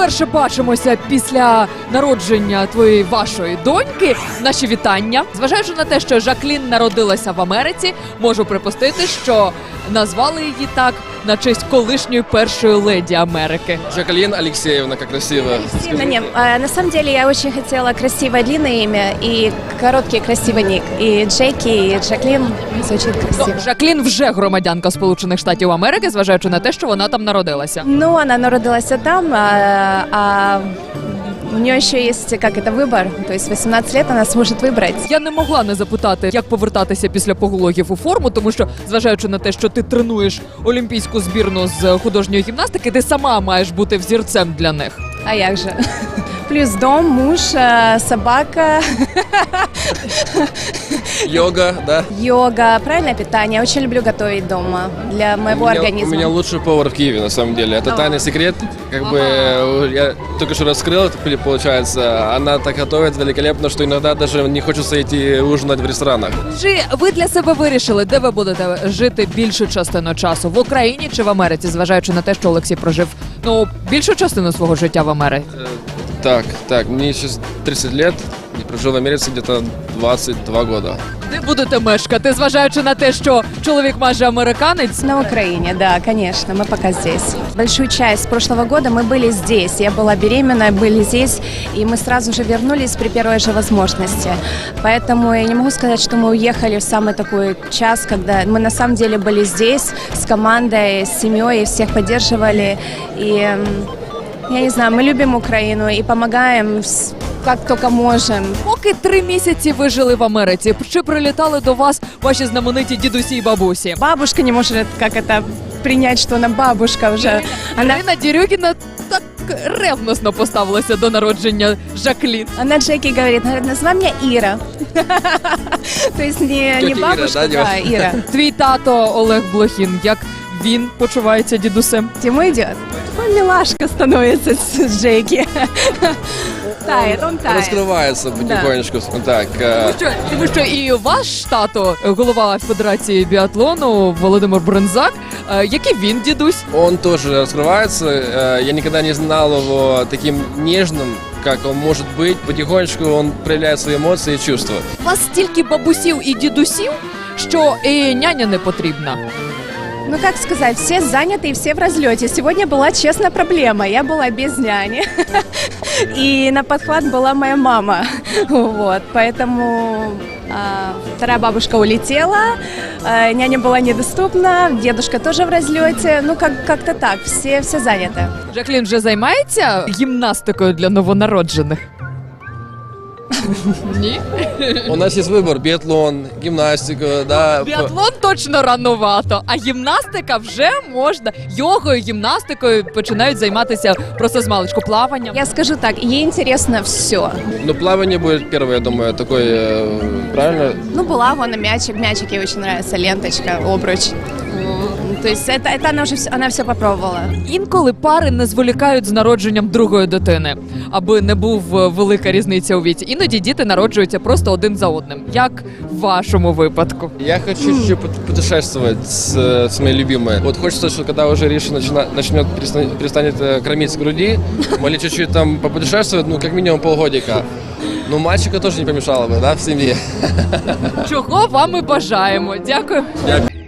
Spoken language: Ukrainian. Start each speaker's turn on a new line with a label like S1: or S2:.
S1: вперше бачимося після народження вашої доньки. Наші вітання. Зважаючи на те, що Жаклін народилася в Америці, можу припустити, що назвали її так на честь колишньої першої леді Америки.
S2: Жаклин Алексеевна, как красиво.
S3: Нет, на самом деле я очень хотела красивое длинное имя и короткий красивый ник. И Джеки, и Жаклин звучит красиво.
S1: Жаклін вже громадянка Сполучених Штатів Америки, зважаючи на те, що вона там народилася.
S3: Ну, она народилась там, а у нее еще есть, как это, выбор. То есть 18 лет она сможет выбрать.
S1: Я не могла не запитати, як повертатися після пологів у форму, тому що, зважаючи на те, що ти тренуєш олімпійську збірну з художньої гімнастики, ти сама маєш бути взірцем для них.
S3: А як же? Плюс дом, муж, собака.
S2: Йога, да?
S3: Йога, правильное питание. Я очень люблю готовить дома для моего организма.
S2: У меня лучший повар в Киеве, на самом деле. Это тайный секрет. Как бы я только что раскрыл, получается. Она так готовит великолепно, что иногда даже не хочется идти ужинать в ресторанах.
S1: Чи ви для себе вирішили, де ви будете жити більшу частину часу? В Україні чи в Америці, зважаючи на те, що Олексій прожив більшу частину свого життя в Америці?
S2: Так, мне сейчас 30 лет, и прожил в Америке где-то 22 года.
S1: Де будете мешкати, зважаючи на те, що чоловік майже американець?
S3: На Украине, да, конечно, мы пока здесь. Большую часть прошлого года мы были здесь. Я была беременна, были здесь, и мы сразу же вернулись при первой же возможности. Поэтому я не могу сказать, что мы уехали в самый такой час, когда мы на самом деле были здесь с командой, с семьей, всех поддерживали. И я не знаю, мы любим Украину и помогаем как только можем.
S1: Поки 3 місяці ви жили в Америці, чи прилітали до вас ваші знамениті дідусі і бабусі?
S3: Бабушка не может, как это, принять, что она бабушка уже.
S1: Ірина Дерюгіна так ревносно поставилася до народження Жаклін.
S3: Она Джеки говорит, называй меня Ира. То есть не бабушка, да, Ира.
S1: Твій тато Олег Блохін, як він почувається дідусем?
S3: Тиму идет. Он милашка становится с Джеки. Тает, он тает.
S2: Раскрывается потихонечку. Так.
S1: Тому що і ваш тато, голова Федерації біатлону Володимир Брензак, який він дідусь?
S2: Он тоже раскрывается. Я никогда не знал его таким нежным, как он может быть. Потихонечку он проявляет свои эмоции и чувства.
S1: У вас стільки бабусів і дідусів, що і няня не потрібна.
S3: Ну, как сказать, все заняты и все в разлете. Сегодня была, честно, проблема. Я была без няни. И на подхват была моя мама. Вот, поэтому вторая бабушка улетела, няня была недоступна, дедушка тоже в разлете. Ну, как-то так, все заняты.
S1: Жаклін вже займається гімнастикою для новонароджених? Ні?
S2: У нас есть выбор: биатлон, гимнастика, да.
S1: Біатлон точно ранувато, а гімнастика вже можна. Йогою, гімнастикою починають займатися просто з маличку, плаванням.
S3: Я скажу так, ей интересно все.
S2: Ну, плавание будет первое, я думаю, такое, правильно?
S3: Ну, была вон мячик ей очень нравится, ленточка, обруч. То есть это она все попробовала.
S1: Інколи пари не зволікають з народженням другої дитини, аби не був велика різниця у віці. Іноді діти народжуються просто один за одним. Як в вашому випадку?
S2: Я хочу чуть-чуть путешествовать с моей любимой. Вот хочется, что когда уже Риша перестанет кормить с груди, могли чуть-чуть там попутешествовать, ну, как минимум полгодика. Ну, мальчика тоже не помешало бы, да, в семье.
S1: Чого вам і бажаємо. Дякую.
S2: Дякую.